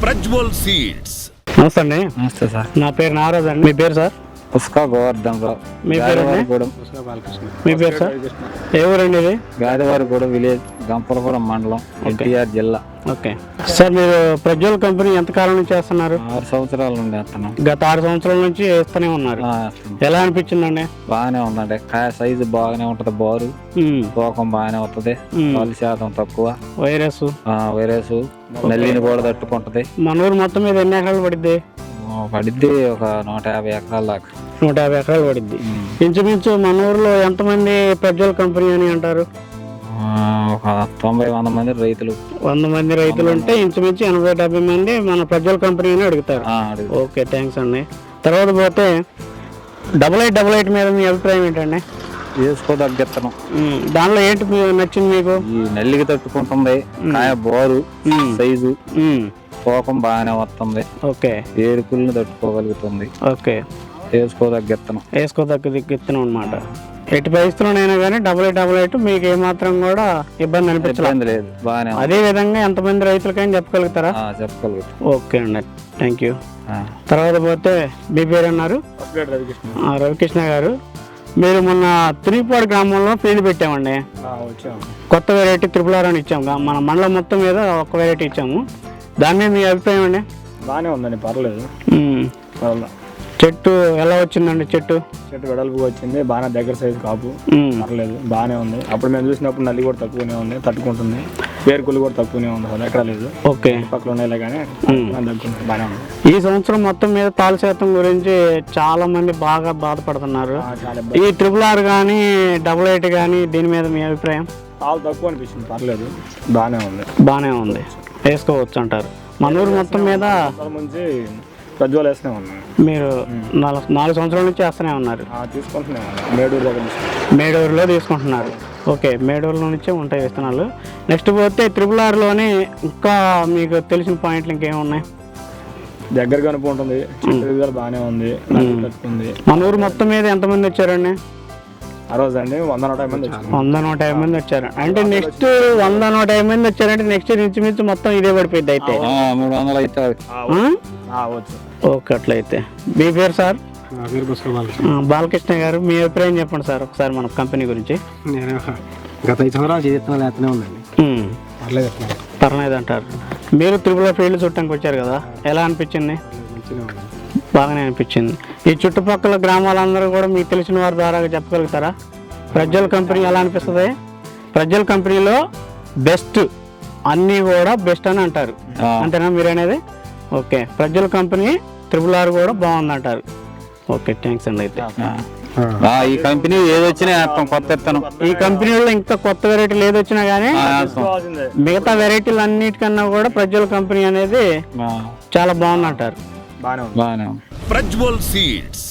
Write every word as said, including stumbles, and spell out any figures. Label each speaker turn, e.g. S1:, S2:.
S1: Prajwal seeds.
S2: నమస్తే అండి.
S3: నమస్తే సార్.
S2: నా పేరు నారాజ్ అండి. మీ పేరు సార్?
S3: పుష్క గోవర్ధన్ రావు.
S2: మీ పేరు? మీ పేరు సార్? ఏ ఊరండి ఇది?
S3: గాదివారిగూడెం విలేజ్, గంపలపురం మండలం, ఎన్టీఆర్ జిల్లా.
S2: ఓకే సార్, మీరు ప్రజ్వల్ కంపెనీ ఎంత కాలం నుంచి చేస్తున్నారు?
S3: ఆరు సంవత్సరాల నుండి వేస్తున్నాం.
S2: గత ఆరు సంవత్సరాల నుంచి వేస్తూనే ఉన్నారు. ఎలా అనిపించిందండి?
S3: బాగానే ఉందండి. కాయ సైజు బాగానే ఉంటది, బారు
S2: ఉమ్,
S3: తూకం బాగానే వస్తుంది, పాలు శాతం తక్కువ,
S2: వైరస్
S3: వైరస్ నల్లిని కూడా తట్టుకుంటది.
S2: మన ఊరు మొత్తం మీద ఎన్ని ఎకరాలు పడిద్ది?
S3: పడిద్ది ఒక నూట యాభై ఎకరాల దాకా.
S2: నూట యాభై ఎకరాలు పడిద్ది. ఇంచుమించు మన ఊర్లో ఎంతమంది ప్రజ్వల్ కంపెనీ అని అంటారు?
S3: ఒక తొంభై వంద మంది రైతులు.
S2: వంద మంది రైతులు ఉంటే ఇంచుమించు ఎనభై డెబ్బై మంది మన ప్రజ్వల్ కంపెనీ అని అడుగుతారు. ఓకే, థ్యాంక్స్ అండి. తర్వాత పోతే డబల్ ఎయిట్ డబల్ ఎయిట్ మీద మీ అభిప్రాయం ఏంటండి?
S3: వేసుకోదగ్గెత్తనం.
S2: దానిలో ఏంటి నచ్చింది మీకు?
S3: ఈ నల్లికి తట్టుకుంటుంది, కాయ బోరు సైజు, తూకం బాగానే వస్తుంది,
S2: ఓకే,
S3: ఏడుకుల్ని తట్టుకోగలుగుతుంది.
S2: ఓకే,
S3: వేసుకోదగ్గెత్తనం.
S2: వేసుకోదగ్గ విత్తనం అనమాట. ఎట్టి పరిస్థితుల్లోనైనా కానీ డబల్ ఎయిట్ డబల్ ఎయిట్ మీకు ఏమాత్రం కూడా ఇబ్బంది అనిపించలేదు
S3: లేదు, బాగానే.
S2: అదే విధంగా ఎంతమంది రైతులకైనా చెప్పగలుగుతారా?
S3: చెప్పగలుగుతాం.
S2: ఓకే అండి, థ్యాంక్ యూ. తర్వాత పోతే మీ పేరు అన్నారు? రవికృష్ణ గారు. మీరు మొన్న త్రిపాడు గ్రామంలో ఫీల్డ్ పెట్టామండి. కొత్త వెరైటీ త్రిపుల్ ఆర్ అని ఇచ్చాము. మన మండలం మొత్తం మీద ఒక వెరైటీ ఇచ్చాము. దాని మీద మీ అభిప్రాయం అండి?
S4: బాగానే ఉందండి, పర్లేదు.
S2: చెట్టు ఎలా వచ్చిందండి? చెట్టు
S4: చెట్టు వెడల్పుగా వచ్చింది, బాగా దగ్గర సైజు కాపు, పర్లేదు, బాగానే ఉంది. అప్పుడు మేము చూసినప్పుడు నల్లి కూడా తక్కువనే ఉంది, తట్టుకుంటుంది. పేరుకులు కూడా తక్కువనే ఉంది, అసలు ఎక్కడ లేదు.
S2: ఓకే,
S4: పక్కన ఉన్నాయి కానీ తగ్గుతుంది, బాగానే ఉంది.
S2: ఈ సంవత్సరం మొత్తం మీద తాలు శాతం గురించి చాలా మంది బాగా బాధపడుతున్నారు. ఈ ట్రిపుల్ ఆర్ కానీ డబుల్ ఎయిట్ కానీ దీని మీద మీ అభిప్రాయం?
S4: తాలు తక్కువ అనిపిస్తుంది, పర్లేదు, బాగానే ఉంది.
S2: బాగానే ఉంది, వేసుకోవచ్చు అంటారు. మన ఊరు మొత్తం మీద
S4: నుంచి ప్రజ్వల్ వేస్తూనే ఉన్నాం.
S2: మీరు నాలుగు నాలుగు సంవత్సరాల నుంచి వేస్తూనే ఉన్నారు.
S4: తీసుకుంటున్నాం, మేడూరు దగ్గర
S2: మేడూరులో తీసుకుంటున్నారు. ఓకే, మేడూరులో నుంచే ఉంటాయి విత్తనాలు. నెక్స్ట్ పోతే త్రిపుల్ ఆర్లోని ఇంకా మీకు తెలిసిన పాయింట్లు ఇంకేమున్నాయి?
S4: దగ్గర కనుపు ఉంటుంది, చెట్టు బాగానే ఉంది, ఉంది.
S2: మన ఊరు మొత్తం మీద ఎంతమంది వచ్చారండి
S4: ఆ రోజు? అండి వంద నూట యాభై మంది
S2: వంద నూట యాభై మంది వచ్చారు. అంటే నెక్స్ట్ వంద నూట యాభై మంది వచ్చారంటే నెక్స్ట్ ఇంచుమించు మొత్తం ఇదే పడిపోయింది అయితే.
S3: మూడు వందలు అయితే
S2: ఓకే, అట్లయితే. మీ పేరు సార్? బాలకృష్ణ గారు, మీ అభిప్రాయం చెప్పండి సార్ ఒకసారి మన కంపెనీ గురించి.
S5: నేను గత ఐదు సంవత్సరాలు చేస్తున్నాను, లేతనే ఉందండి,
S2: పర్లేదు అంటారు. మీరు త్రిపుల ఫీల్డ్ చుట్టానికి వచ్చారు కదా, ఎలా అనిపించింది? బాగానే అనిపించింది. ఈ చుట్టుపక్కల గ్రామాలందరూ కూడా మీకు తెలిసిన వారి ద్వారా చెప్పగలుగుతారా ప్రజ్వల్ కంపెనీ ఎలా అనిపిస్తుంది? ప్రజ్వల్ కంపెనీలో బెస్ట్, అన్నీ కూడా బెస్ట్ అని అంటారు, అంతేనా మీరు అనేది? Okay, Prajwal company triple R కూడా బాగుంది అంటారు. ఓకే, థ్యాంక్స్ అండి. అయితే
S3: ఈ కంపెనీ ఏదొచ్చినా కొత్త ఇత్తనం.
S2: ఈ కంపెనీలో ఇంకా కొత్త వెరైటీలు ఏదొచ్చినా కానీ మిగతా వెరైటీలు అన్నిటికన్నా కూడా ప్రజ్వల్ కంపెనీ అనేది చాలా బాగుంది అంటారు.
S4: బాగానే ఉంది.
S3: బాగానే
S1: ప్రజ్వల్ సీడ్స్.